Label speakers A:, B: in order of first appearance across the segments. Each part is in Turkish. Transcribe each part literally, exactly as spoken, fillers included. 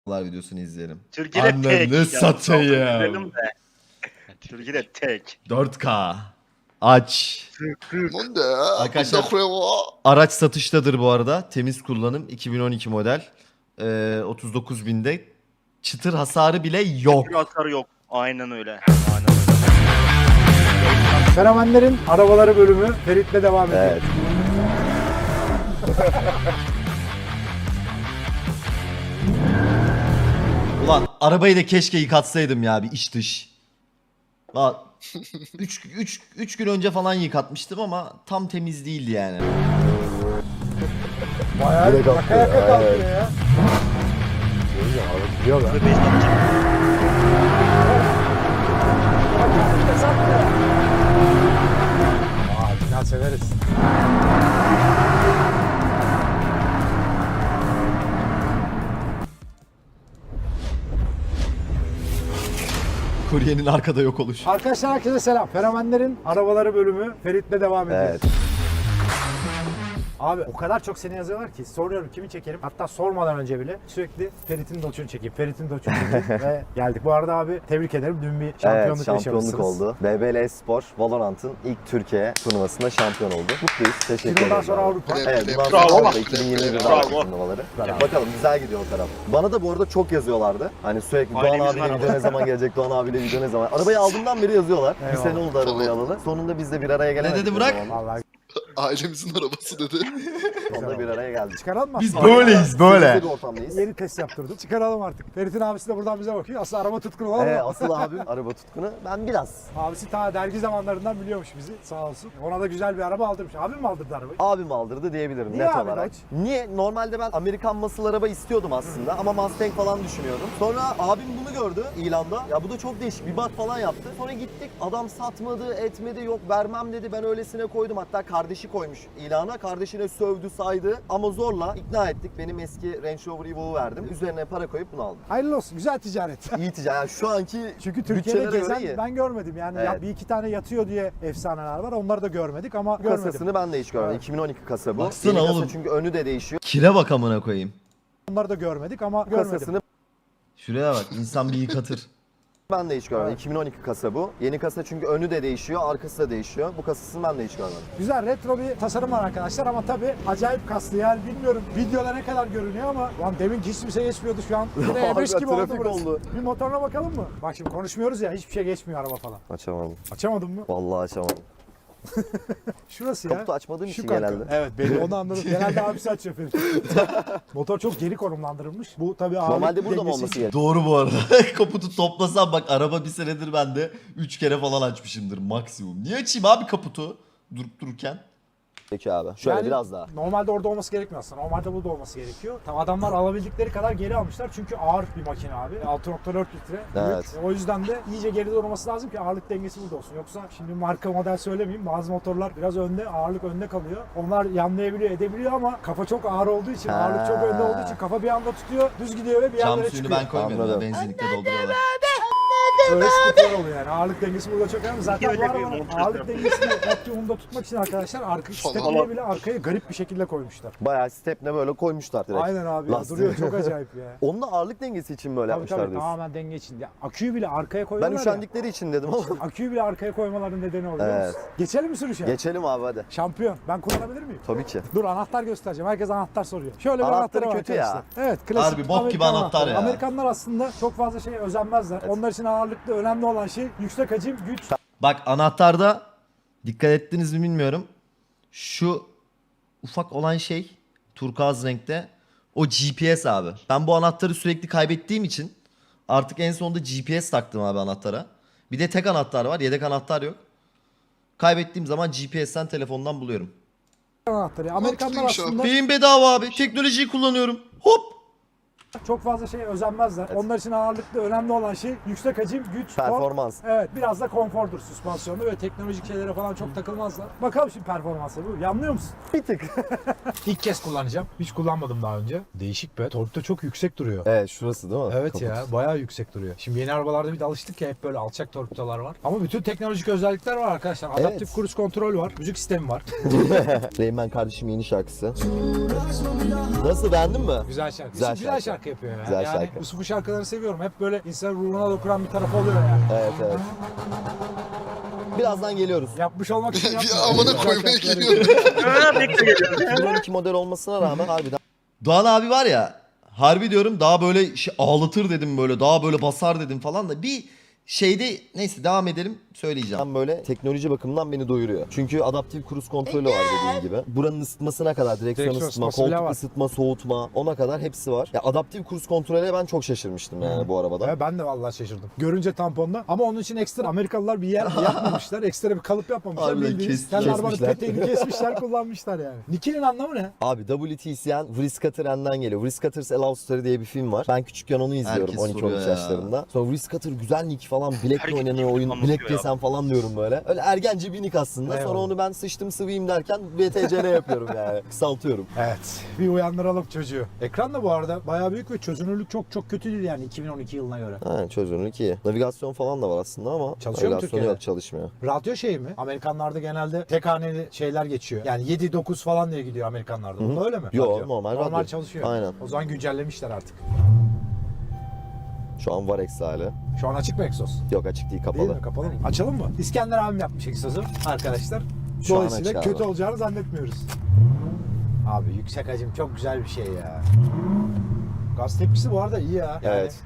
A: videosunu izleyelim.
B: Türkiye'de
A: Anne
B: tek.
A: ne
B: Ya,
A: satayım.
B: Türkiye'de tek.
A: dört K. Aç.
C: 뭔데?
A: Arkadaşlar-
C: 뭔데?
A: Araç satıştadır bu arada. Temiz kullanım. iki bin on iki model. Ee, otuz dokuz binde. Çıtır hasarı bile yok.
B: Bir hasarı yok. Aynen öyle. Aynen öyle.
D: Fenomenlerin arabaları bölümü Ferit'le devam ediyor.
A: Evet. Ulan arabayı da keşke yıkatsaydım ya bir iç dış. üç gün önce falan yıkatmıştım ama tam temiz değildi yani.
D: Bayağı
A: Direkt
D: yaka
A: attı,
D: yaka kalkıyor
A: evet.
D: ya. Biliyorlar.
B: Beş dakika.
D: Aa, final severiz.
A: Kuryenin arkada yok oluşu.
D: Arkadaşlar herkese selam. Fenomenlerin arabaları bölümü Ferit'le devam ediyor.
A: Evet.
D: Abi o kadar çok seni yazıyorlar ki soruyorum kimi çekerim. Hatta sormadan önce bile sürekli Ferit'in doçunu çekeyim. Ferit'in doçunu çekeyim ve geldik. Bu arada abi tebrik ederim. Dün bir şampiyonluk
E: Evet, şampiyonluk
D: yaşamışsınız.
E: oldu. B B L Espor Valorant'ın ilk Türkiye turnuvasında şampiyon oldu. Mutluyuz. Teşekkür
D: Bundan
E: ederiz.
D: sonra
E: abi.
D: Avrupa.
E: Evet, bundan
B: Bravo.
E: sonra Avrupa iki bin yirmi bir'de
B: Bravo.
E: Avrupa turnuvaları. Bakalım güzel gidiyor o taraf. Bana da bu arada çok yazıyorlardı. Hani sürekli Doğan
B: Ailemizin
E: abiyle
B: arabası.
E: video ne zaman gelecek, Doğan abiyle video ne zaman. Arabayı aldığımdan beri yazıyorlar. Bir
D: Eyvallah.
E: sene oldu arabayı alalı. Sonunda biz de bir araya gelemedik.
A: dedi
E: o
A: Burak?
E: zaman.
D: Vallahi
C: Ailemizin arabası dedi.
E: Sonunda bir araya geldik.
D: çıkaralım mı?
A: Biz
D: aslında?
A: böyleyiz böyle.
E: Biz de bir ortamdayız.
D: Yeni test yaptırdım. Çıkaralım artık. Ferit'in abisi de buradan bize bakıyor. Aslında araba tutkunu olan
E: Ee,
D: o.
E: asıl abim araba tutkunu. Ben biraz.
D: Abisi ta dergi zamanlarından biliyormuş bizi sağ olsun. Ona da güzel bir araba aldırmış. Abim mi aldırdı arabayı?
E: Abim aldırdı diyebilirim
D: Niye
E: net
D: abi
E: olarak.
D: Dodge?
E: Niye? Normalde ben Amerikan muscle araba istiyordum aslında ama Mustang falan düşünüyordum. Sonra abim bunu gördü ilanda. Ya bu da çok değişik bir bak falan yaptı. Sonra gittik adam satmadı etmedi yok vermem dedi ben öylesine koydum. Hatta kardeşi koymuş ilana. Kardeşine sövdü saydı ama zorla ikna ettik. Benim eski Range Rover Evo'yu verdim. Üzerine para koyup bunu aldım.
D: Hayırlı olsun. Güzel ticaret.
E: İyi ticaret. Yani şu anki
D: Çünkü Türkiye'de
E: bütçelere göre
D: gezen
E: iyi.
D: ben görmedim. Yani ya
E: Evet.
D: bir iki tane yatıyor diye efsaneler var. Onları da görmedik ama görmedim.
E: kasasını ben de hiç görmedim.
D: Evet.
E: iki bin on iki kasa bu.
A: Baksana
E: Yeni kasa
A: oğlum.
E: çünkü önü de değişiyor.
A: Kire bak amına koyayım.
D: Onları da görmedik ama görmedim.
E: Kasasını
A: Şuraya bak insan bir yıkatır.
E: ben de hiç görmedim.
D: Evet.
E: iki bin on iki kasa bu. Yeni kasa çünkü önü de değişiyor, arkası da değişiyor. Bu kasasını ben de hiç görmedim.
D: Güzel retro bir tasarım var arkadaşlar ama tabii acayip kaslı yani bilmiyorum videoda ne kadar görünüyor ama lan demin hiç kimse geçmiyordu şu an. Bir de E beş gibi oldu
E: Trafik
D: burası.
E: oldu.
D: Bir motoruna bakalım mı? Bak şimdi konuşmuyoruz ya hiçbir şey geçmiyor araba falan.
E: Açamadım.
D: Açamadın mı?
E: Vallahi açamadım.
D: Şurası ya.
E: Kaputu açmadığım
D: Şu
E: için
D: kanka.
E: genelde.
D: Evet belli onu anladım. Genelde abisi açıyor Ferit. Motor çok geri konumlandırılmış. Bu tabii ağırlık
E: Normalde burada mı
D: dengesi
E: olması
D: için.
E: gerekiyor?
A: Doğru bu arada. Kaputu toplasam bak araba bir senedir ben de üç kere falan açmışımdır maksimum. Niye açayım abi kaputu durup dururken?
E: Peki abi. Şöyle
D: Yani
E: biraz daha.
D: Normalde orada olması gerekmiyor aslında. Normalde burada olması gerekiyor. Tam adamlar alabildikleri kadar geri almışlar çünkü ağır bir makine abi. altı nokta dört litre.
E: Evet.
D: Büyük. O yüzden de iyice geride olması lazım ki ağırlık dengesi burada olsun. Yoksa şimdi marka model söylemeyeyim. Bazı motorlar biraz önde, ağırlık önde kalıyor. Onlar yanlayabiliyor, edebiliyor ama kafa çok ağır olduğu için,
E: Ha.
D: ağırlık çok önde olduğu için kafa bir anda tutuyor, düz gidiyor ve bir
A: Cam
D: yerlere
A: suyunu
D: çıkıyor.
A: ben koymuyorum.
E: Anladım.
A: Benzinlikte dolduruyorlar.
D: Öyle sıkıntılar oluyor yani. Ağırlık dengesi burada çok önemli. Zaten bu
B: Öyle bir
D: arabanın
B: montaj
D: ağırlık
B: yapıyor.
D: dengesini optimumda tutmak için arkadaşlar arka stepneye bile arkaya garip bir şekilde koymuşlar.
E: Bayağı stepne böyle koymuşlar direkt.
D: Aynen abi. Ya,
E: Lastik.
D: duruyor çok acayip ya.
E: Onun da ağırlık dengesi için böyle
D: Tabii
E: yapmışlar
D: tabii
E: diyorsun.
D: tamamen denge için. Ya, aküyü bile arkaya
E: Ben
D: koyuyorlar ya.
E: üşendikleri için dedim ama.
D: Aküyü bile arkaya koymaların nedeni oluyor. biliyor
E: Evet.
D: musun? Geçelim mi sürüşe?
E: Geçelim abi hadi.
D: Şampiyon. Ben kullanabilir miyim?
E: Tabii ki.
D: Dur anahtar göstereceğim. Herkes anahtar soruyor. Şöyle bir
E: Anahtarı
D: anahtarı var
E: kötü ya.
D: arkadaşlar. Evet klasik
A: Harbi bok gibi
D: Amerikan
A: anahtar
D: anahtarı.
A: ya.
D: Amerikanlar aslında çok fazla şeye özenmezler. Onlar için ağırlıklı önemli olan şey yüksek hacim, güç.
A: Bak anahtarda dikkat ettiniz mi bilmiyorum. Şu ufak olan şey turkuaz renkte o G P S abi. Ben bu anahtarı sürekli kaybettiğim için artık en sonunda G P S taktım abi anahtara. Bir de tek anahtar var, yedek anahtar yok. Kaybettiğim zaman G P S'ten telefondan buluyorum.
D: anahtarı. Amerikanlar
C: Mantıklıymış
D: aslında
A: Beyin bedava abi. Teknolojiyi kullanıyorum. Hop.
D: çok fazla şeye özenmezler. Onlar için ağırlıklı önemli olan şey yüksek hacim, güç, tork.
E: Performans.
D: Evet biraz da konfordur süspansiyonu ve teknolojik şeylere falan çok takılmazlar. Bakalım şimdi performansa bu. Yanlıyor musun?
E: Bir tık.
D: İlk kez kullanacağım. Hiç kullanmadım daha önce. Değişik be. Tork da çok yüksek duruyor.
E: Evet şurası değil mi?
D: Evet
E: Kaput.
D: ya bayağı yüksek duruyor. Şimdi yeni arabalarda bir de alıştık ya hep böyle alçak torpidolar var. Ama bütün teknolojik özellikler var arkadaşlar. Adaptif
E: Evet.
D: cruise kontrol var. Müzik sistemi var.
E: Reymen kardeşim yeni şarkısı. Nasıl beğendin mi?
D: Güzel şarkı.
E: Güzel
D: Güzel, güzel
E: şarkı.
D: şarkı yapıyor ya.
E: Güzel
D: yani
E: şarkı.
D: Yusuf'un şarkılarını seviyorum. Hep böyle insan ruhuna dokunan bir tarafı oluyor yani.
E: Evet evet. Birazdan geliyoruz.
D: Yapmış olmak için
C: Bir
D: yapmıyor.
C: amına
D: Güzel
C: koymaya
D: şarkıları
C: geliyorum.
B: Ha, bekle geliyorum.
E: iki bin on iki model olmasına rağmen harbiden
A: Doğan abi var ya, harbi diyorum, daha böyle şey, ağlatır dedim, böyle daha böyle basar dedim falan da bir şeyde, neyse devam edelim, söyleyeceğim.
E: Tam böyle teknoloji bakımından beni doyuruyor. Çünkü adaptif kruz kontrolü var dediğim gibi. Buranın ısıtmasına kadar, direksiyon
D: Direksiyon
E: ısıtma,
D: ısıtması bile
E: koltuk
D: var.
E: ısıtma, soğutma, ona kadar hepsi var. Ya adaptif kruz kontrole ben çok şaşırmıştım yani bu arabada.
D: Ya ben de vallahi şaşırdım. Görünce tamponda. Ama onun için ekstra Amerikalılar bir yer yapmamışlar. Ekstra bir kalıp yapmamışlar.
A: Harbiden
D: Bildiğiniz
A: kes-
D: kendi arabanın
E: kesmişler.
D: peteğini kesmişler, kullanmışlar yani. Nick'in anlamı ne?
E: Abi W T C N Whiskater'den geliyor. Whiskaters A Love Story diye bir film var. Ben küçükken onu izliyorum
A: Herkes
E: on iki on
A: soruyor
E: üç
A: ya.
E: yaşlarında. Sonra Whiskater güzel nick falan. Black'le
B: Herkes
E: oynanıyor oyun.
B: anlatıyor
E: Black
B: ya.
E: yesem falan diyorum böyle. Öyle ergence bir nick aslında. Sonra
D: Eyvallah.
E: onu ben sıçtım sıvıyım derken B T C N yapıyorum yani. Kısaltıyorum.
D: Evet. Bir uyandıralım çocuğu. Ekran da bu arada bayağı büyük ve çözünürlük çok çok kötü değil yani iki bin on iki yılına göre.
E: Ha, çözünürlük iyi. Navigasyon falan da var aslında ama
D: Çalışıyor mu
E: navigasyonu
D: Türkiye'de?
E: yok, çalışmıyor.
D: Radyo şey mi? Amerikanlarda genelde tek haneli şeyler geçiyor. Yani yedi dokuz falan diye gidiyor Amerikanlarda. Bunda öyle mi?
E: Yo,
D: Radyo.
E: normal
D: Normal
E: radyo.
D: çalışıyor.
E: Aynen.
D: O zaman güncellemişler artık.
E: Şu an var eksi hali.
D: Şu an açık mı egzoz?
E: Yok açık değil, kapalı.
D: Değil mi? Kapalı mı? Açalım mı? İskender abim yapmış egzozu arkadaşlar.
E: Şu an
D: Dolayısıyla
E: açık
D: kötü
E: abi.
D: olacağını zannetmiyoruz. Abi yüksek hacim çok güzel bir şey ya. Gaz tepkisi bu arada iyi ya. Yani
E: Evet.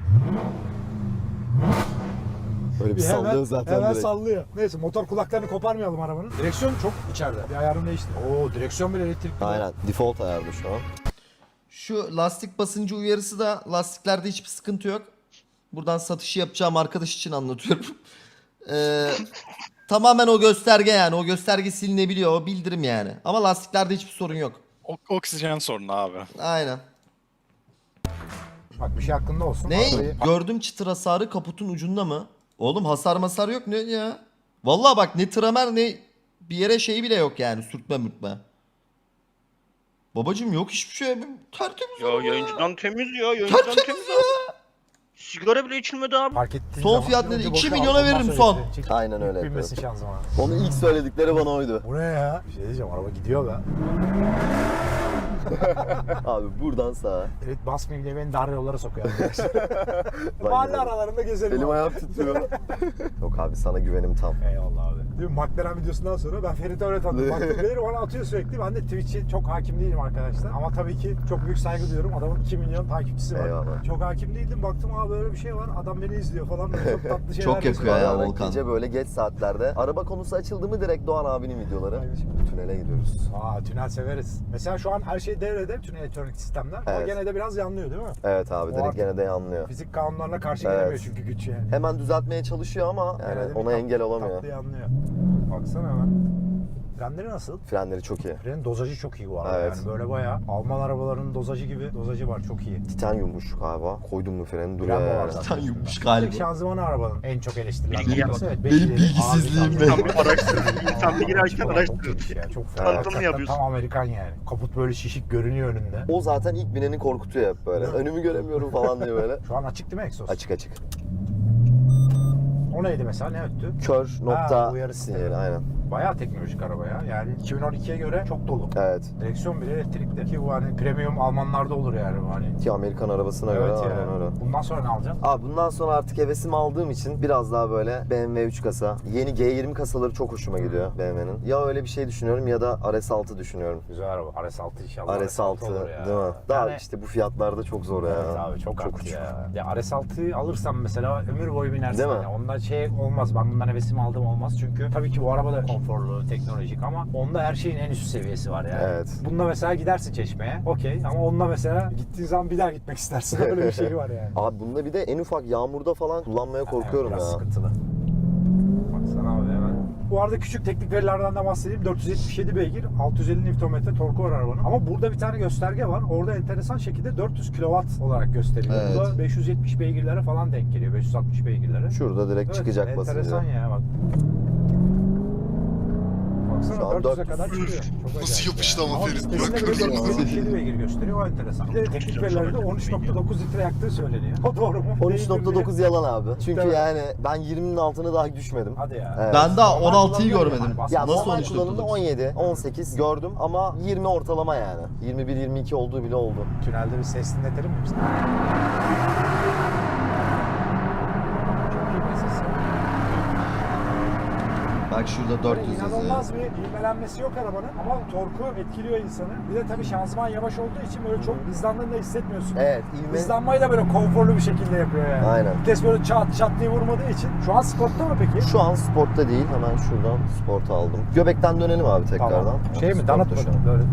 E: Böyle bir
D: bir hemen,
E: sallıyor zaten
D: hemen
E: direkt.
D: sallıyor. Neyse motor kulaklarını koparmayalım arabanın. Direksiyon çok içeride. Bir ayarını değiştir. Oo direksiyon bile elektrikli.
E: Aynen. Default ayarlı şu an.
A: Şu lastik basıncı uyarısı da, lastiklerde hiçbir sıkıntı yok. Buradan satışı yapacağım arkadaş için anlatıyorum. Ee, tamamen o gösterge yani. O gösterge silinebiliyor. O bildirim yani. Ama lastiklerde hiçbir sorun yok.
F: O- oksijen sorunu abi.
A: Aynen.
D: Bak bir şey hakkında olsun.
A: Ne?
D: Arabayı-
A: Gördüm çıtır hasarı kaputun ucunda mı? Oğlum hasar masar yok ne ya? Vallahi bak, ne tramer ne bir yere şey bile yok yani, sürtme mürtme. Babacım yok hiçbir şey. Tertemiz
B: Ya
A: araba
B: yayıncıdan temiz ya. Yayıncıdan
A: Tertemiz
B: temiz
A: ya.
B: abi. Sigara bile içilmedi abi.
D: Fark ettiğin
A: Son
D: zaman
A: fiyat
D: önce
A: nedir?
D: boşa
A: iki
D: al,
A: milyona
D: ondan
A: veririm
D: sonra
A: son.
D: yükle. Çek-
E: Aynen öyle
D: yük binmesin
E: yapıyorum.
D: şanzımana.
E: Onu ilk söyledikleri bana oydu.
D: Bu ne ya? Bir şey diyeceğim, araba gidiyor be.
E: Abi buradan sağa.
D: Evet, basmayayım diye beni dar yollara sokuyor arkadaşlar. Mahalle
E: giderim.
D: aralarında gezelim.
E: Elim
D: abi.
E: ayağım titriyor. Yok abi, sana güvenim tam.
D: Eyvallah abi. Değil mi? McLaren videosundan sonra ben Ferit'e öyle tanıdım. McLaren'i bana atıyor sürekli. Ben de Twitch'e çok hakim değilim arkadaşlar. Ama tabii ki çok büyük saygı duyuyorum. Adamın iki milyon takipçisi var.
E: Eyvallah.
D: Çok hakim değildim. Baktım abi böyle bir şey var. Adam beni izliyor falan. Böyle çok tatlı şeyler
A: Çok yakıyor
D: yazıyor.
A: ya
E: Bayağı
A: Volkan.
E: Gece böyle geç saatlerde. Araba konusu açıldı mı direkt Doğan abinin videoları.
D: Aynen.
E: Şimdi tünele gidiyoruz.
D: Aa, tünel severiz. Mesela şu an her şey devrede. Bütün elektronik sistemler. Ama
E: Evet.
D: gene de biraz yanlıyor değil mi?
E: Evet abi,
D: O
E: direkt
D: artık-
E: gene de yanlıyor.
D: Fizik kanunlarına karşı
E: Evet.
D: gelemiyor çünkü güç yani.
E: Hemen düzeltmeye çalışıyor ama
D: Gene de
E: yani
D: bir
E: ona
D: tat-
E: engel olamıyor.
D: Tatlı yanlıyor. Baksana hemen. Frenleri nasıl?
E: Frenleri çok iyi.
D: Frenin dozajı çok iyi bu arada.
E: Evet.
D: Yani böyle bayağı Alman arabalarının dozajı gibi dozajı var, çok iyi.
E: Titanyummuş galiba. Koydum mu freni duruyor
D: Bravo
E: yani.
D: var zaten.
A: Sen yummuş
D: İlk
A: galiba.
D: şanzımanı arabanın en çok eleştirilen.
B: Bilgiye
D: noktası.
B: bak.
D: Evet,
A: Benim
D: bekleyelim.
A: bilgisizliğim
D: Abi,
A: be.
D: tamam.
B: Araştırır. İnsan bir girerken
D: Çok
B: araştırır.
D: iyi ya, çok
B: Tanıtımını
D: Hakikaten
B: yapıyorsun.
D: Tam Amerikan yani. Kaput böyle şişik görünüyor önünde.
E: O zaten ilk bineni korkutuyor hep böyle. Önümü göremiyorum falan diye böyle.
D: Şu an açık değil mi egzoz?
E: Açık açık.
D: O neydi mesela, ne öttü?
E: Kör nokta
D: uyarı sistemi.
E: sinyali aynen.
D: Bayağı teknolojik araba ya. Yani iki bin on ikiye göre çok dolu.
E: Evet.
D: Direksiyon bile elektrikli ki bu hani premium Almanlarda olur yani bu hani.
E: Ki Amerikan arabasına
D: Evet
E: göre
D: ya.
E: aynen öyle.
D: Bundan sonra ne alacaksın?
E: Abi bundan sonra artık hevesimi aldığım için biraz daha böyle B M W üç kasa. Yeni G yirmi kasaları çok hoşuma gidiyor B M W'nin. Ya öyle bir şey düşünüyorum ya da R S altı düşünüyorum.
D: Güzel araba. R S altı inşallah.
E: R S altı
D: olur ya.
E: değil mi? Daha
D: Yani-
E: işte bu fiyatlarda çok zor ya.
D: Evet abi çok, çok
E: uçuk.
D: ya. Ya R S altıyı alırsam mesela ömür boyu binersin.
E: Değil mi?
D: Yani. Onda şey olmaz. Ben bundan hevesimi aldım olmaz. Çünkü tabii ki bu araba da konforlu, teknolojik ama onda her şeyin en üst seviyesi var yani.
E: Evet.
D: Bunda mesela gidersin Çeşme'ye. Okey. Ama onunla mesela gittiğin zaman bir daha gitmek istersin. Öyle bir şey var yani.
E: Abi bunda bir de en ufak yağmurda falan kullanmaya korkuyorum
D: Evet, biraz
E: ya.
D: sıkıntılı. Baksana abi hemen. Bu arada küçük teknik verilerden de bahsedeyim. dört yüz yetmiş yedi beygir, altı yüz elli Nm torku var arabanın. Ama burada bir tane gösterge var. Orada enteresan şekilde dört yüz kilowatt olarak gösteriyor.
A: Evet.
D: Bu da beş yüz yetmiş beygirlere falan denk geliyor. beş yüz altmış beygirlere.
E: Şurada direkt
D: Evet,
E: çıkacak
D: enteresan
E: basınca.
D: ya bak. baksana
E: Şu an
D: dört yüze
E: dört yüz.
D: kadar çıkıyor. Çok
C: Nasıl
D: acayip
C: yapıştı
D: yani.
C: ama Ferit,
D: sitesinde
C: bırakıyoruz
D: böyle
C: ama.
D: dört yüz yetmiş yedi beygir gösteriyor, o enteresan. Bir de teknik verilerde on üç nokta dokuz litre yaktığı söyleniyor. O doğru mu?
E: on üç
D: Değildir
E: nokta
D: diye.
E: dokuz yalan abi. Çünkü
D: Tabii.
E: yani ben yirminin altına dahi düşmedim.
D: Hadi ya.
E: Evet.
A: Ben daha
D: Normal
A: on altıyı
D: kullanılıyor
A: görmedim.
D: yani.
E: Ya
A: Nasıl
E: normal
A: on üç nokta
E: kullanımda
A: dokuz?
E: on yedi, on sekiz gördüm ama yirmi ortalama yani. yirmi bir yirmi iki olduğu bile oldu.
D: Tünelde bir ses dinletelim mi biz? Çok iyi bir ses.
A: Bak şurada
D: Böyle
A: dört yüz yazıyor.
D: inanılmaz bir ivmelenmesi yok arabanın ama torku etkiliyor insanı. Bir de tabii şanzıman yavaş olduğu için böyle çok hızlandığını da hissetmiyorsun.
E: Evet, ivme.
D: Hızlanmayı da böyle konforlu bir şekilde yapıyor yani.
E: Aynen.
D: Vites böyle çat çat diye vurmadığı için. Şu an sportta mı peki?
E: Şu an sportta değil. Hemen şuradan sporta aldım. Göbekten dönelim abi tekrardan.
D: Tamam. Şey mi?
E: Sportta
D: Danıt
E: şu
D: mı?
E: an.
D: Böyle.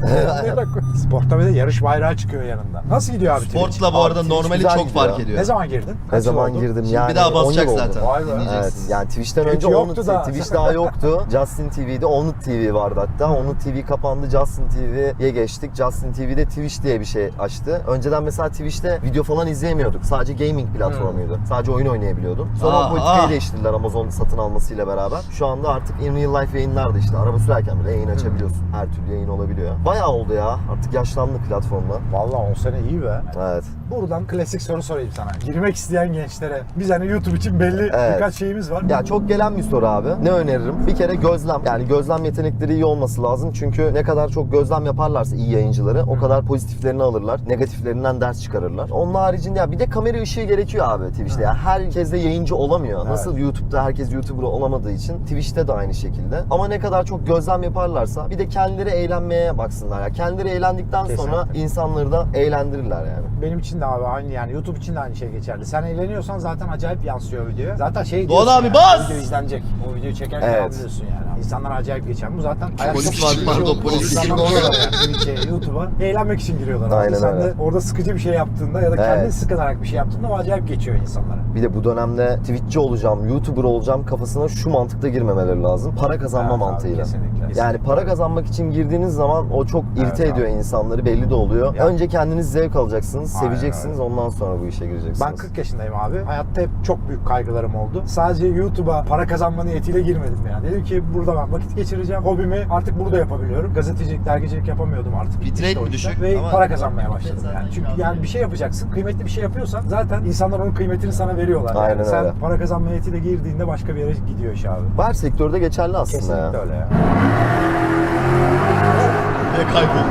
D: Sportta bir de yarış bayrağı çıkıyor yanında. Nasıl gidiyor abi? Twitch?
A: Sportla bu arada
E: Abi,
A: normali
E: güzel
A: çok
E: gidiyor.
A: fark ediyor.
D: Ne zaman girdin?
E: Ne
D: Kaç yıl
E: zaman
D: oldu?
E: girdim
A: Şimdi
E: yani?
A: bir daha
E: on
A: basacak
E: yıl oldu.
A: zaten.
D: Vay be.
E: Evet,
A: Dinleyeceksiniz.
E: yani Twitch'ten
D: Twitch
E: önce
D: yoktu
E: Onut
D: da.
E: Twitch daha yoktu. Justin T V'de Onut T V vardı hatta. Onut T V kapandı. Justin T V'ye geçtik. Justin T V'de Twitch diye bir şey açtı. Önceden mesela Twitch'te video falan izleyemiyorduk. Sadece gaming platformuydu. Sadece oyun oynayabiliyordun. Sonra
A: Aa,
E: o politikayı
A: aa.
E: değiştirdiler Amazon satın almasıyla beraber. Şu anda artık in real life yayınlar da işte. Araba sürerken bile yayın açabiliyorsun. Her türlü yayın olabiliyor. Bayağı oldu ya. Artık yaşlandı platformda.
D: Vallahi on sene iyi be.
E: Evet.
D: Buradan klasik soru sorayım sana. Girmek isteyen gençlere. Biz hani YouTube için belli
E: Evet.
D: birkaç şeyimiz var.
E: Ya çok gelen bir soru abi. Ne öneririm? Bir kere gözlem. Yani gözlem yetenekleri iyi olması lazım. Çünkü ne kadar çok gözlem yaparlarsa iyi yayıncıları o kadar pozitiflerini alırlar. Negatiflerinden ders çıkarırlar. Onun haricinde ya bir de kamera ışığı gerekiyor abi Twitch'te. Ya herkes de yayıncı olamıyor.
D: Evet.
E: Nasıl YouTube'da herkes YouTuber olamadığı için Twitch'te de aynı şekilde. Ama ne kadar çok gözlem yaparlarsa bir de kendileri eğlenmeye baksınlar ya. Kendileri eğlendikten sonra
D: Kesinlikle.
E: insanları da eğlendirirler yani.
D: Benim için de abi aynı yani YouTube için de aynı şey geçerli. Sen eğleniyorsan zaten acayip yansıyor video. Zaten şey
A: Doğan
D: diyorsun
A: abi
D: yani,
A: bas!
D: video izlenecek. O videoyu çekerken
E: Evet.
D: anlıyorsun yani. İnsanlar acayip geçer. Bu zaten
C: Polis
D: çok
C: için,
D: bir şey
C: pardon,
D: oldu.
C: polis için.
D: İnsanlar orada yani Twitch'e, YouTube'a eğlenmek için giriyorlar abi.
E: Aynen
D: Sen de
E: öyle.
D: orada sıkıcı bir şey yaptığında ya da kendin
E: Evet.
D: sıkılarak bir şey yaptığında o acayip geçiyor insanlara.
E: Bir de bu dönemde Twitch'ci olacağım, YouTuber olacağım kafasına şu mantıkta girmemeleri lazım. Para kazanma
D: Evet abi,
E: mantığıyla.
D: kesinlikle,
E: Yani
D: kesinlikle.
E: para kazanmak için girdiğiniz zaman o çok
D: Evet
E: irite
D: abi.
E: ediyor insanları, belli de oluyor.
D: Ya.
E: Önce kendiniz zevk alacaksınız,
D: Aynen
E: seveceksiniz, ondan sonra bu işe gireceksiniz.
D: Ben kırk yaşındayım abi. Hayatta hep çok büyük kaygılarım oldu. Sadece YouTube'a para kazanma niyetiyle girmedim yani. Dedim ki burada ben vakit geçireceğim. Hobimi artık burada yapabiliyorum. Gazetecilik, dergicilik yapamıyordum artık.
A: Bitrate
D: İşte o
A: mi
D: yüzden.
A: düşük?
D: Ve
A: Ama-
D: para kazanmaya başladım yani. Çünkü yani bir şey yapacaksın. Kıymetli bir şey yapıyorsan zaten insanlar onun kıymetini sana veriyorlar.
E: Aynen
D: yani sen
E: öyle.
D: para kazanma niyetiyle girdiğinde başka bir yere gidiyor iş abi.
E: Bu her sektörde geçerli aslında
D: Kesinlikle
E: ya.
D: öyle ya.
A: Ve kaybol.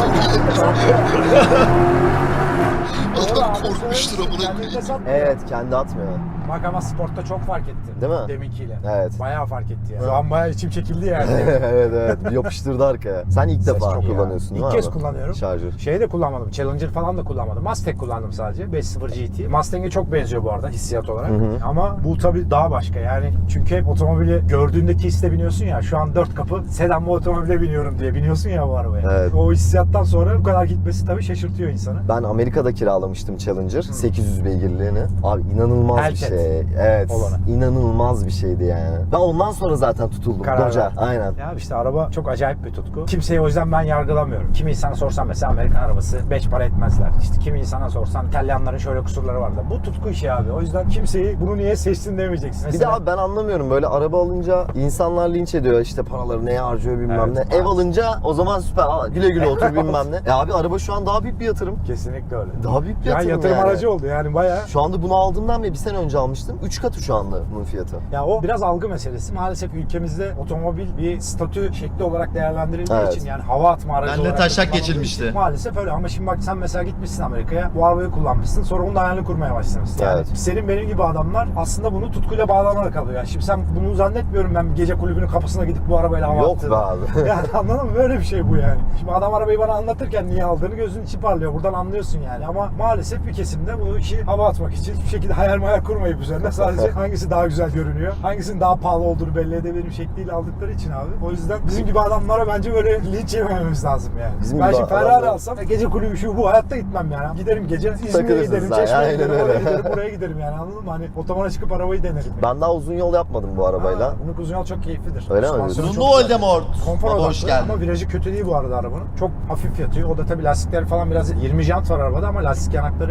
D: Doğru
C: Adam
D: abi,
C: korkmuştur
D: söylemişsin,
C: amına
D: kendini de
C: koyayım.
D: satmıyor.
E: Evet, kendi atmıyor.
D: Bak ama sportta çok fark etti.
E: Değil mi?
D: Deminkiyle.
E: Evet.
D: Bayağı fark etti ya. Şu an bayağı içim çekildi yani.
E: evet evet, yapıştırdı arkaya. Sen ilk
D: Ses
E: defa
D: çok iyi
E: kullanıyorsun
D: ya.
E: değil mi
D: İlk kez
E: abi?
D: kullanıyorum.
E: Şarjör.
D: Şey de kullanmadım. Challenger falan da kullanmadım. Mustang kullandım sadece. beş sıfır G T. Mustang'e çok benziyor bu arada hissiyat olarak.
E: Hı hı.
D: Ama bu tabii daha başka. Yani çünkü hep otomobili gördüğündeki hisse biniyorsun ya. Şu an dört kapı sedan bu otomobile biniyorum diye biniyorsun ya bu arabaya.
E: Evet.
D: O hissiyattan sonra bu kadar gitmesi tabii şaşırtıyor insanı.
E: Ben Amerika'da kiralamıştım Challenger sekiz yüz beygirliğini. Abi inanılmaz bir
D: Hellcat
E: şey. Evet.
D: olanı.
E: İnanılmaz bir şeydi yani. Ben ondan sonra zaten tutuldum.
D: Karar
E: Doja.
D: verdin.
E: Aynen.
D: Ya işte araba çok acayip bir tutku. Kimseyi o yüzden ben yargılamıyorum. Kimi insana sorsan mesela Amerikan arabası beş para etmezler. İşte kimi insana sorsan İtalyanların şöyle kusurları vardı. Bu tutku işi abi. O yüzden kimseyi bunu niye seçtin demeyeceksin.
E: Bir de
D: Mesela
E: abi ben anlamıyorum, böyle araba alınca insanlar linç ediyor, işte paraları neye harcıyor bilmem
D: Evet,
E: ne.
D: maalesef.
E: Ev alınca o zaman süper, aa, güle güle otur bilmem ne. E abi araba şu an daha büyük bir yatırım.
D: kesinlikle öyle.
E: Daha büyük bir
D: Ya
E: yatırım
D: yatırım
E: yani.
D: aracı oldu yani bayağı.
E: Şu anda bunu aldığımdan beri bir sene önce almıştım. üç katı şu anda bunun fiyatı.
D: Ya o biraz algı meselesi. Maalesef ülkemizde otomobil bir statü şekli olarak değerlendirildiği
E: Evet.
D: için yani hava atma aracı
A: Benle
D: olarak
A: taşak
D: da kullanıldığı
A: geçilmişti.
D: için Maalesef öyle ama şimdi bak sen mesela gitmişsin Amerika'ya, bu arabayı kullanmışsın, sonra onun da hayalini kurmaya başlamışsın. Yani
E: Evet.
D: senin benim gibi adamlar aslında bunu tutkuyla bağlanarak alıyor. Yani şimdi sen bunu zannetmiyorum ben bir gece kulübünün kapısına gidip bu arabayla hava
E: Yok
D: attığını.
E: be abi.
D: Yani anladın mı? Böyle bir şey bu yani. Şimdi adam arabayı bana anlatırken niye aldığını gözün içi parlıyor. Buradan anlıyorsun yani. Ama maalesef bir kesimde bu işi hava atmak için hiçbir şekilde hayal mayal kurmayıp üzerine sadece hangisi daha güzel görünüyor, hangisinin daha pahalı olduğunu belli edebilirim şekliyle aldıkları için abi. O yüzden bizim gibi adamlara bence böyle linç yemememiz lazım yani.
E: Bizim
D: ben
E: gibi
D: şimdi Ferrari
E: adamlar-
D: alsam gece kulübü şu bu hayatta gitmem yani. Giderim gece İzmir'e
E: Takılırsın
D: giderim,
E: sen,
D: Çeşme'ye
E: aynen
D: giderim,
E: öyle.
D: oraya giderim, buraya giderim yani anladın mı? Hani otobana çıkıp arabayı denerim. Yani.
E: Ben daha uzun yol yapmadım bu arabayla.
D: Ha, bunun uzun yol çok keyiflidir.
E: Öyle mi
D: Süspansiyonu
E: diyorsun?
D: çok
A: Uzunlu
D: güzel.
A: Voldemort.
D: Konfor
A: Baba
D: odaklı
A: hoş geldin.
D: ama virajı kötü değil bu arada arabanın. Çok hafif yatıyor. O da tabii lastikleri falan biraz yirmi jant var arabada ama lastik yanakları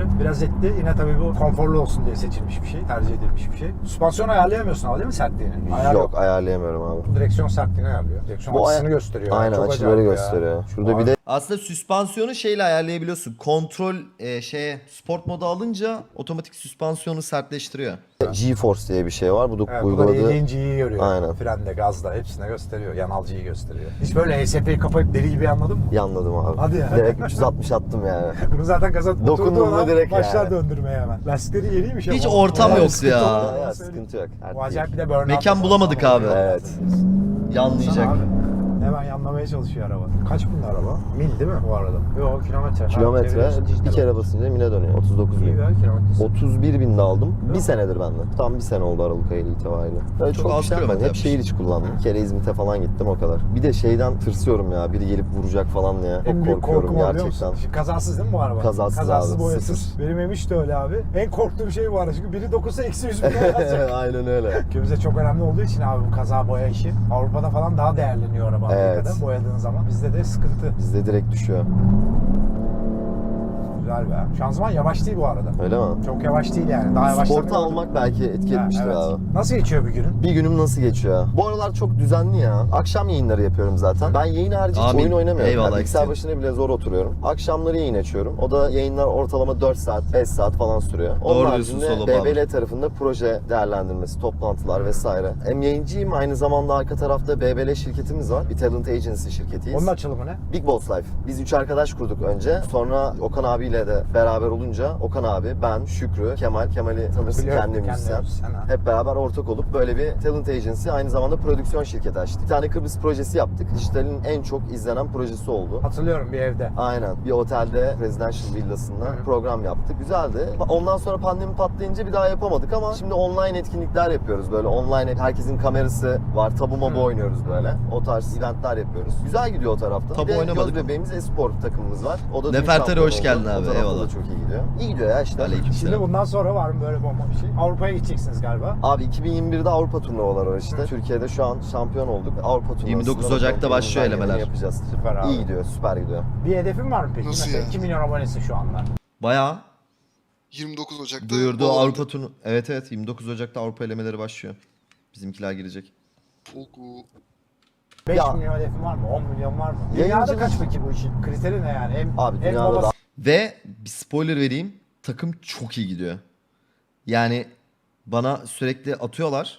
D: biraz etli. Yine tabii bu konforlu olsun diye seçilmiş bir şey, tercih edilmiş bir şey. Süspansiyon ayarlayamıyorsun ama değil mi sertliğini? Ayar
E: Yok ayarlayamıyorum abi.
D: Direksiyon sertliğini ayarlıyor. Direksiyon
E: Bu
D: açısını
E: aya-
D: gösteriyor.
E: Aynen
D: Çok
E: açıları
D: acayip ya.
E: gösteriyor. Şurada
D: Vay.
E: bir de
A: Aslında süspansiyonu şeyle ayarlayabiliyorsun. Kontrol e, şeye sport modu alınca otomatik süspansiyonu sertleştiriyor.
E: GeForce diye bir şey var. Bu da
D: Evet, bu da
E: uyguladığı...
D: yediğin G'yi görüyor.
E: Aynen.
D: Frende, gazda hepsine gösteriyor. Yanal G'yi gösteriyor. Hiç böyle E S P'yi kapayıp deli gibi anladın mı?
E: İyi anladım abi.
D: Hadi ya.
E: Direkt üç yüz altmış attım yani.
D: Bunu zaten gaza
E: Dokundum
D: oturduğu
E: mu
D: an
E: direkt
D: başlar
E: yani.
D: döndürmeye hemen. Lastikleri yeniymiş
A: Hiç
D: ama.
A: ortam
D: Bayağı bir
A: yoktu
D: sıkıntı
A: ya.
D: olduğunu
E: Ya
D: söyleyeyim.
E: sıkıntı yok.
D: Bu acayip bir de burnout.
A: Mekan
D: var.
A: bulamadık
D: Tamam,
A: abi.
E: Evet.
A: Yanlayacak.
D: Sana abi. Hemen yanlamaya çalışıyor araba. Kaç binde araba? Mil değil mi bu arada? Yok kilometre. Ha,
E: Kilometre
D: çeviriyorsun, dijital
E: bir kere
D: olarak.
E: basınca mine dönüyor. otuz dokuz
D: İyi
E: bin.
D: be kilometresi.
E: otuz bir binde aldım. Bir
D: mi?
E: senedir bende. Tam bir sene oldu Aralık ayı itibariyle. Böyle
A: Çok
E: çok,
A: az
E: bir şey yapmadım.
A: kilometre
E: Hep şehir içi kullandım. Bir kere İzmit'e falan gittim o kadar. Bir de şeyden tırsıyorum ya. Biri gelip vuracak falan diye.
D: En
E: Çok
D: büyük
E: korkuyorum
D: korkum o biliyor
E: gerçekten.
D: musun? Şimdi kazasız değil mi bu araba?
E: Kazasız
D: Kazasız
E: abi,
D: boyasız.
E: sıfır.
D: Benim emiş de öyle abi. En korktuğum şey bu arada. Çünkü biri dokunsa eksi yüz bin lira yazacak.
E: Aynen öyle.
D: Ülkemizde çok önemli olduğu için abi bu kaza boya işi. Avrupa'da falan daha değerleniyor araba
E: Evet.
D: Amerika'da boyadığın zaman. Bizde de sıkıntı.
E: Bizde direkt düşüyor.
D: Güzel be. Şanzıman yavaş değil bu arada.
E: Öyle mi?
D: Çok yavaş değil yani. Daha yavaş.
E: Sporta almak belki etki etmiştir abi.
D: Nasıl geçiyor bir günün?
E: Bir günüm nasıl geçiyor? Bu aralar çok düzenli ya. Akşam yayınları yapıyorum zaten. Ben yayın harici hiç
A: Amin.
E: oyun oynamıyorum.
A: Eyvallah,
E: Yani bilgisayar
A: eksik.
E: başına bile zor oturuyorum. Akşamları yayın açıyorum. O da yayınlar ortalama dört saat, beş saat falan sürüyor. Onun
A: Doğru diyorsun,
E: haricinde
A: Solo
E: B B L
A: Power.
E: tarafında proje değerlendirmesi, toplantılar vesaire. Hem yayıncıyım, aynı zamanda arka tarafta B B L şirketimiz var. Bir talent agency şirketiyiz.
D: Onun açılımı ne?
E: Big Boss Life. Biz üç arkadaş kurduk önce. Sonra Okan abiyle de beraber olunca Okan abi, ben, Şükrü, Kemal, Kemal'i tanırsın,
D: Biliyorum,
E: kendi
D: kendi
E: müzisyen.
D: müzisyen, ha.
E: Hep beraber ortak olup böyle bir talent agency, aynı zamanda prodüksiyon şirketi açtık. Bir tane Kıbrıs projesi yaptık. Dijitalin en çok izlenen projesi oldu.
D: Hatırlıyorum bir evde.
E: Aynen. Bir otelde, residential villasında
D: Hı.
E: program yaptık. Güzeldi. Ondan sonra pandemi patlayınca bir daha yapamadık ama şimdi online etkinlikler yapıyoruz. Böyle online herkesin kamerası var. Tabu mabu
D: Hı.
E: oynuyoruz böyle. O tarz eventler yapıyoruz. Güzel gidiyor o tarafta.
A: Tabu
E: bir de
A: oynamadık.
E: göz bebeğimiz e-spor takımımız var. O da dün
A: Nefertari,
E: şampiyon
A: hoş
E: oldu.
A: geldin
E: O
A: abi,
E: tarafta
A: eyvallah.
E: da çok iyi gidiyor. İyi gidiyor ya işte.
D: Şimdi
A: Aleykümselam.
D: bundan sonra var mı böyle bomba bir şey? Avrupa'ya gideceksiniz galiba.
E: Abi iki bin yirmi birde Avrupa turnuvaları var işte. Türkiye'de şu an şampiyon olduk. Avrupa turnuvasında
A: yirmi dokuz
E: da
A: Ocak'ta başlıyor
E: elimizden geleni
A: elemeler.
E: yapacağız.
D: Süper abi.
E: İyi gidiyor, süper gidiyor.
D: Bir hedefin var mı peki?
C: Nasıl
D: Mesela
C: ya?
D: iki milyon abonesi şu anda.
A: Bayağı
C: yirmi dokuz Ocak'ta
A: duyurdu
C: Hollanda.
A: Avrupa turnu. Evet evet yirmi dokuz Ocak'ta Avrupa elemeleri başlıyor. Bizimkiler girecek.
C: Foku.
D: beş
E: Ya.
D: milyon hedefin var mı? on milyon var mı?
E: Yayıncı-
D: Dünyada kaç peki bu işin? Kriteri ne yani? Hem,
E: Abi
D: hem
E: dünyada
D: babası-
E: da
A: Ve bir spoiler vereyim. Takım çok iyi gidiyor. Yani bana sürekli atıyorlar.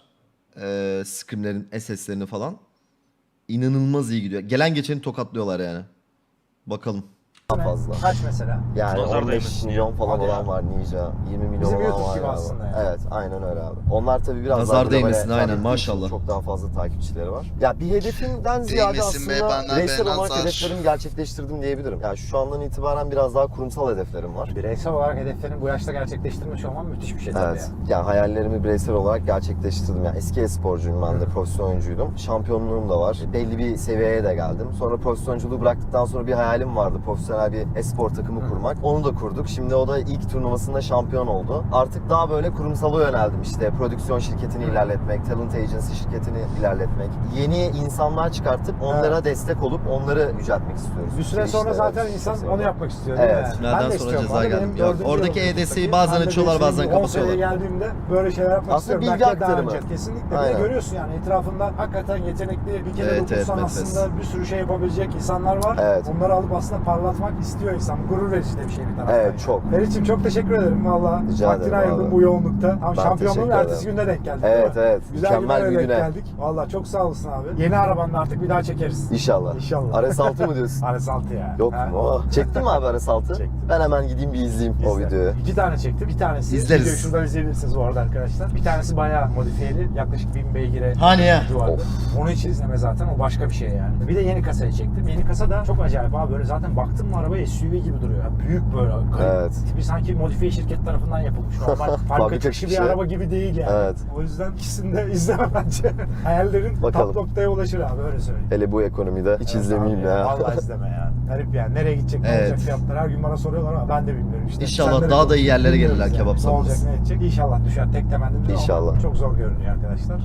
A: E, scrimlerin S S'lerini falan. İnanılmaz iyi gidiyor. Gelen geçeni tokatlıyorlar yani. Bakalım.
E: daha fazla.
D: Kaç mesela?
E: Yani
B: Nazar
E: on beş
B: değmesin
E: milyon
B: ya.
E: falan
D: Hadi
E: olan
D: ya.
E: var Ninja. yirmi milyon
D: Bizim
E: olan
D: YouTube
E: var
D: gibi
E: abi.
D: aslında yani.
E: Evet aynen öyle abi. Onlar tabii biraz
A: Nazar
E: daha globale
A: değmesin, aynen,
E: tabii
A: maşallah.
E: Çok daha fazla takipçileri var. Ya bir hedefimden ziyade
C: Değmesin be,
E: aslında
C: benden
E: bireysel
C: be,
E: olarak
C: nazar.
E: hedeflerimi gerçekleştirdim diyebilirim. Yani şu andan itibaren biraz daha kurumsal hedeflerim var.
D: Bireysel olarak hedeflerini bu yaşta gerçekleştirmiş olman müthiş bir şey tabii
E: Evet.
D: yani.
E: Yani hayallerimi bireysel olarak gerçekleştirdim. Yani eski e-sporcuyum ben de, profesyonel oyuncuydum. Şampiyonluğum da var. Belli bir seviyeye de geldim. Sonra profesyonenculuğu bıraktıktan sonra bir hayalim vardı. Profesyonel bir e-spor takımı kurmak. Onu da kurduk. Şimdi o da ilk turnuvasında şampiyon oldu. Artık daha böyle kurumsala yöneldim işte. Prodüksiyon şirketini ilerletmek, talent agency şirketini ilerletmek. Yeni insanlar çıkartıp onlara destek olup onları yüceltmek istiyoruz.
D: Bir süre
E: İşte
D: sonra
E: evet,
D: zaten
E: bir
D: insan
E: süre
D: onu
E: sonra.
D: yapmak istiyor değil mi?
E: Evet.
D: Yani?
A: Tünelden
D: Ben de
A: sonra
D: istiyorum.
A: ceza
D: Abi
A: geldi.
D: benim
A: Ya
D: dördüncü
A: oradaki
D: yılım
A: E D S'yi
D: Türkiye'deki.
A: bazen
D: Ben de
A: açıyorlar,
D: beş
A: bazen
D: yıl, on seneye
A: kapatıyorlar.
D: geldiğimde böyle şeyler yapmak
E: Aslında
D: istiyorum.
E: bilgi
D: Belki de daha
E: aktarımı.
D: önce. Kesinlikle. Bir de
E: Aynen.
D: görüyorsun yani etrafında hakikaten yetenekli, bir kere
A: Evet,
D: dokunsan
A: evet,
D: aslında bir sürü şey yapabilecek insanlar var.
E: Evet.
D: Onları alıp aslında parlatmak istiyor insan. Gurur verici de bir şey bir taraftan.
E: Evet,
D: yani.
E: çok.
D: Ferit'ciğim çok teşekkür ederim valla.
E: Rica
D: Vaktini
E: ederim
D: ayırdın
E: abi.
D: bu yoğunlukta. Tam
E: Ben
D: şampiyonluğun
E: teşekkür
D: ertesi
E: ederim.
D: günde denk geldik.
E: Evet,
D: değil mi?
E: evet.
D: Güzel
E: Mükemmel
D: günlere
E: bir
D: denk
E: güne.
D: geldik. Valla çok sağ olasın abi. Yeni arabanda artık bir daha çekeriz.
E: İnşallah.
D: İnşallah.
E: R S altı mı diyorsun?
D: R S altı ya.
E: Yok
D: Ha?
E: mu? Oh. Çektin mi abi R S altı?
D: Çektim.
E: Ben hemen gideyim bir izleyeyim o
D: İzle.
E: videoyu.
D: İki tane çektim. Bir tanesi
A: İzleriz.
D: videoyu şuradan izleyebilirsiniz bu arada arkadaşlar. Bir tanesi bayağı modifiyeli. Yaklaşık bin beygire
A: Hani ya?
D: gücü vardı.
E: Of.
D: Onu hiç izleme zaten. O başka bir şey yani. Bir de yeni kasayı çektim. Yeni kasa da çok acayip abi. Böyle zaten baktım mı araba S U V gibi duruyor. Yani büyük böyle.
E: Evet.
D: Bir sanki modifiye şirket tarafından yapılmış. Normal fabrika
E: Fabrika
D: çıkışı bir
E: çıkışı.
D: araba gibi değil yani.
E: Evet.
D: O yüzden ikisini de izleme bence. Hayallerin
E: Bakalım.
D: top noktaya ulaşır abi öyle söyleyeyim.
E: Hele bu ekonomide hiç
D: Evet
E: izlemeyeyim
D: abi
E: ya.
D: Vallahi izleme ya. Garip yani. Nereye gidecek, ne
A: Evet.
D: olacak fiyatlar her gün bana soruyorlar ama ben de bilmiyorum işte.
A: İnşallah
D: Sen de
A: daha da iyi yerlere
D: bilmiyoruz
A: gelirler kebap
D: Ne olacak,
A: sahnesi.
D: ne edecek? İnşallah düşer. Tek temennimiz o ama
E: İnşallah.
D: çok zor görünüyor arkadaşlar.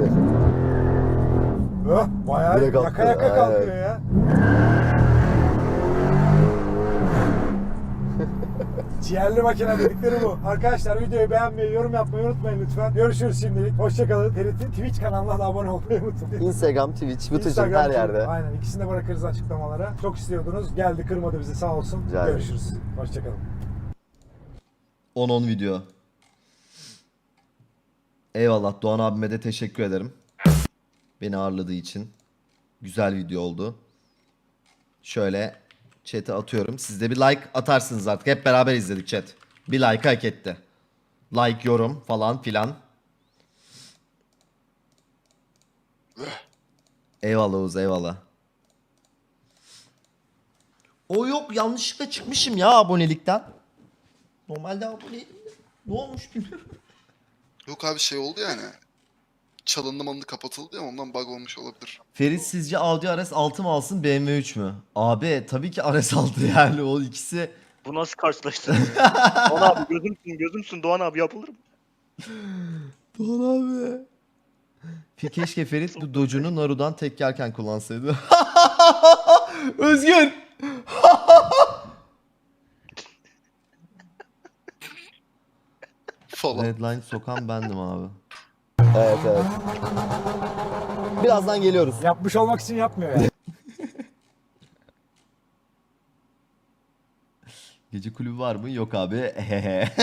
D: Öh, bayağı
E: Direkt
D: yaka
E: attı,
D: yaka
E: aynen.
D: kalkıyor ya. G Ciğerli makine dedikleri bu. Arkadaşlar videoyu beğenmeyi, yorum yapmayı unutmayın lütfen. Görüşürüz şimdilik. Hoşçakalın. Ferit'in Twitch kanalına da abone olmayı unutmayın.
E: Instagram, Twitch, Vıtıcım
D: Instagram,
E: her yerde.
D: Aynen, ikisini de bırakırız açıklamalara. Çok istiyordunuz. Geldi, kırmadı bizi, sağ olsun.
E: Rica ederim.
D: Görüşürüz. Hoşçakalın.
A: on on video. Eyvallah, Doğan abime de teşekkür ederim. Beni ağırladığı için. Güzel video oldu. Şöyle chat'e atıyorum. Siz de bir like atarsınız artık. Hep beraber izledik chat. Bir like hak etti. Like, yorum falan filan. Eyvallah Oğuz, eyvallah. O yok, yanlışlıkla çıkmışım ya abonelikten. Normalde aboneydim de. Ne olmuş bilmiyorum.
C: Yok abi şey oldu yani. Çalındı malındı kapatıldı ya ondan bug olmuş olabilir.
A: Ferit sizce Audi R S altı mı alsın B M W üç mü? Abi tabii ki R S altı yani o ikisi.
B: Bu nasıl karşılaştırma? Doğan abi gözümsün gözümsün Doğan abi yapılır mı?
A: Doğan abi. Fe- Keşke Ferit bu Doge'unu Naru'dan tek yerken kullansaydı. Özgür.
C: Falan.
A: Redline sokan bendim abi.
E: Evet evet. Birazdan geliyoruz.
D: Yapmış olmak için yapmıyor yani.
A: Gece kulübü var mı? Yok abi. Ehehe.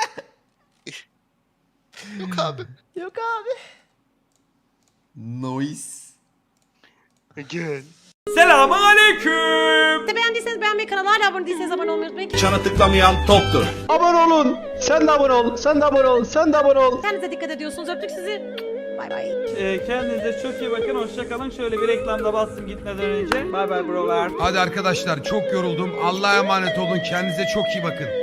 C: Yok abi.
A: Yok abi. Noise.
B: Gel.
G: Selamun aleyküm.
H: Beğendiyseniz beğenmeyi, kanala hala abone değilseniz abone olmayı unutmayın.
G: Çana tıklamayan toptur.
I: Abone olun. Sen de abone ol. Sen de abone ol. Sen de abone ol.
H: Kendinize dikkat ediyorsunuz. Öptük sizi. Bay bay.
G: Ee, kendinize çok iyi bakın. Hoşça kalın. Şöyle bir reklamda bastım gitmeden önce. Bay bay brolar.
J: Hadi arkadaşlar çok yoruldum. Allah'a emanet olun. Kendinize çok iyi bakın.